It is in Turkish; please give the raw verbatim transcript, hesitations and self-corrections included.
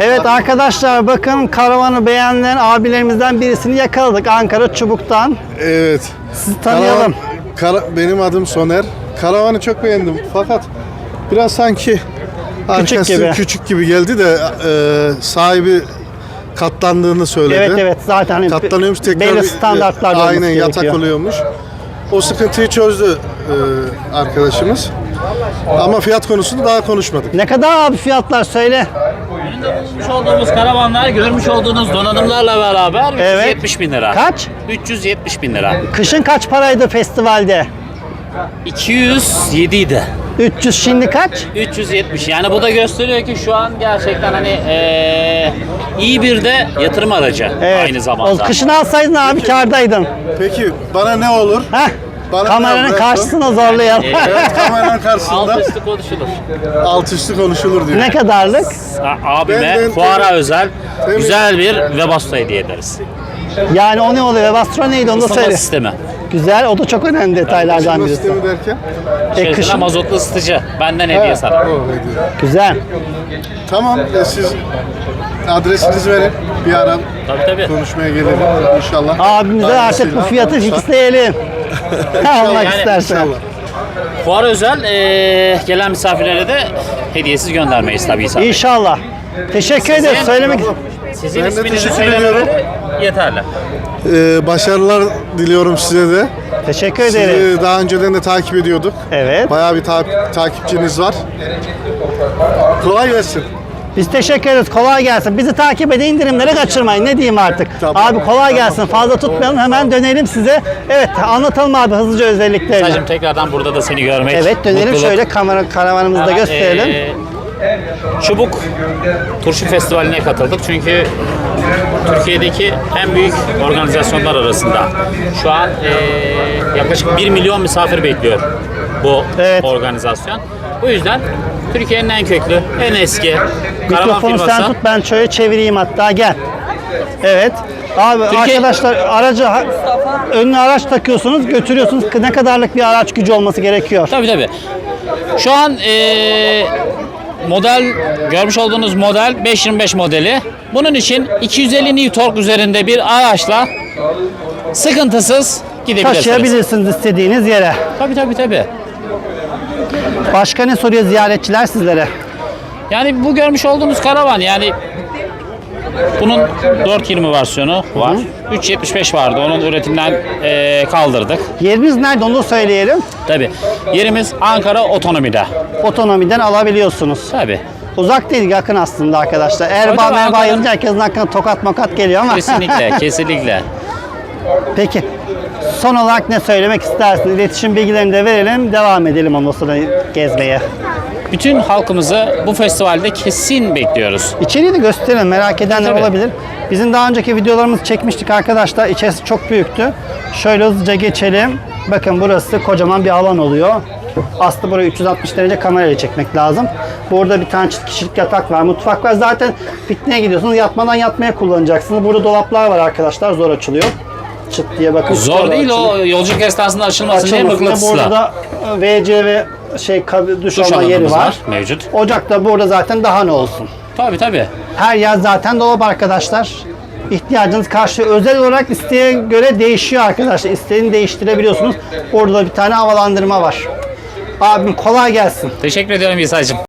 Evet arkadaşlar, bakın karavanı beğenen abilerimizden birisini yakaladık Ankara Çubuk'tan. Evet. Sizi tanıyalım. Kara, kara, benim adım Soner. Karavanı çok beğendim fakat biraz sanki arkası gibi. küçük gibi geldi de e, sahibi katlandığını söyledi. Evet evet, zaten hani Katlanıyormuş, tekrar belli bir- standartlarda olması aynen yatak gerekiyor. oluyormuş. O sıkıntıyı çözdü e, arkadaşımız. Ama fiyat konusunda daha konuşmadık. Ne kadar abi fiyatlar söyle. Görmüş olduğumuz karavanlar, görmüş olduğunuz donanımlarla beraber Evet. üç yüz yetmiş bin lira. Kaç? üç yüz yetmiş bin lira. Kışın kaç paraydı festivalde? iki yüz yedi idi. üç yüz, şimdi kaç? üç yüz yetmiş. Yani bu da gösteriyor ki şu an gerçekten hani eee, iyi bir de yatırım aracı aynı O zamanda. kışın alsaydın abi kârdaydın. Peki bana ne olur? Heh. Bana Kameranın ne karşısına zorlayalım. Evet, kameranın karşısında Alt üstü konuşulur. alt üstü konuşulur diyor. Ne kadarlık? A- Abime Ben- ben- fuara özel Tabii. güzel bir Webasto hediye ederiz. Yani o ne oluyor? Webasto neydi onu da Isıtma söyle. sistemi. Güzel, o da çok önemli detaylardan Isıtma birisi. sistemi derken? İçerisine kışın- mazotlu ısıtıcı. Benden hediye sana. O hediye. Güzel. Tamam, e, siz adresinizi verin. Bir ara Tabii tabii. konuşmaya gelelim inşallah. Abimize artık Hayırlısıyla bu fiyatı olursa. fixleyelim. Almak yani istersen. İnşallah. Fuara özel eee, gelen misafirlere de hediyesiz göndermeyiz tabii ki. İnşallah. Teşekkür ederiz. Söylemek Sizin Ben de isminizi teşekkür ediyorum. söylemeleri yeterli. Ee, başarılar diliyorum size de. Teşekkür ederiz. Sizi daha önceden de takip ediyorduk. Evet. Bayağı bir ta- takipçiniz var. Kolay gelsin. Biz teşekkür ederiz. Kolay gelsin. Bizi takip edin, indirimleri kaçırmayın. Ne diyeyim artık? Tamam. Abi kolay gelsin. Fazla tutmayalım. Hemen dönelim size. Evet, anlatalım abi hızlıca özelliklerini. Sadece tekrardan burada da seni görmek. Evet, dönelim mutluluk. şöyle kamera karavanımızı da Ama, gösterelim. eee, Çubuk Turşu Festivali'ne katıldık çünkü Türkiye'deki en büyük organizasyonlar arasında. Şu an eee, yaklaşık bir milyon misafir bekliyor bu Evet. organizasyon. Bu yüzden Türkiye'nin en köklü, en eski karavan Mikrofonu sen firması. tut, ben şöyle çevireyim hatta, gel. Evet. Abi Türkiye- arkadaşlar, aracı ha- önüne araç takıyorsunuz, götürüyorsunuz. Ne kadarlık bir araç gücü olması gerekiyor? Tabii tabii. Şu an eee, model, görmüş olduğunuz model beş yirmi beş modeli. Bunun için iki yüz elli Newton tork üzerinde bir araçla sıkıntısız gidebilirsiniz. Taşıyabilirsiniz istediğiniz yere. Tabii tabii tabii. Başka ne soruyor ziyaretçiler sizlere? Yani bu görmüş olduğunuz karavan, yani bunun dört yirmi versiyonu var. üç yetmiş beş vardı. Onun üretimden eee, kaldırdık. Yeriniz nerede onu da söyleyelim. Tabii. Yerimiz Ankara Otonomi'de. Otonomiden alabiliyorsunuz. Tabii. Uzak değil, yakın aslında arkadaşlar. Erbaa tabii, merbaa Ankara'nın- yazınca herkesin aklına tokat makat geliyor ama. Kesinlikle, kesinlikle. Peki. Son olarak ne söylemek istersiniz? İletişim bilgilerini de verelim. Devam edelim ondan sonra gezmeye. Bütün halkımızı bu festivalde kesin bekliyoruz. İçeriği de gösterelim. Merak edenler Tabii. olabilir. Bizim daha önceki videolarımızı çekmiştik arkadaşlar. İçerisi çok büyüktü. Şöyle hızlıca geçelim. Bakın burası kocaman bir alan oluyor. Aslında burayı üç yüz altmış derece kamerayla çekmek lazım. Burada bir tane çift kişilik yatak var, mutfak var. Zaten pikniğe gidiyorsunuz. Yatmadan yatmaya kullanacaksınız. Burada dolaplar var arkadaşlar. Zor açılıyor. Çıt diye bakın. Zor değil, o yolculuk esnasında açılmasın diye Açılmasında. mıknatısla. Burada da V C ve şey kab- duş, Duş alma yeri alanımız var. var, mevcut. Ocak da burada zaten, daha ne olsun. Tabii tabii. Her yer zaten dolap arkadaşlar. İhtiyacınız karşı özel olarak isteğe göre değişiyor arkadaşlar. İsteğini değiştirebiliyorsunuz. Orada da bir tane havalandırma var. Abim kolay gelsin. Teşekkür ediyorum İsa'cığım.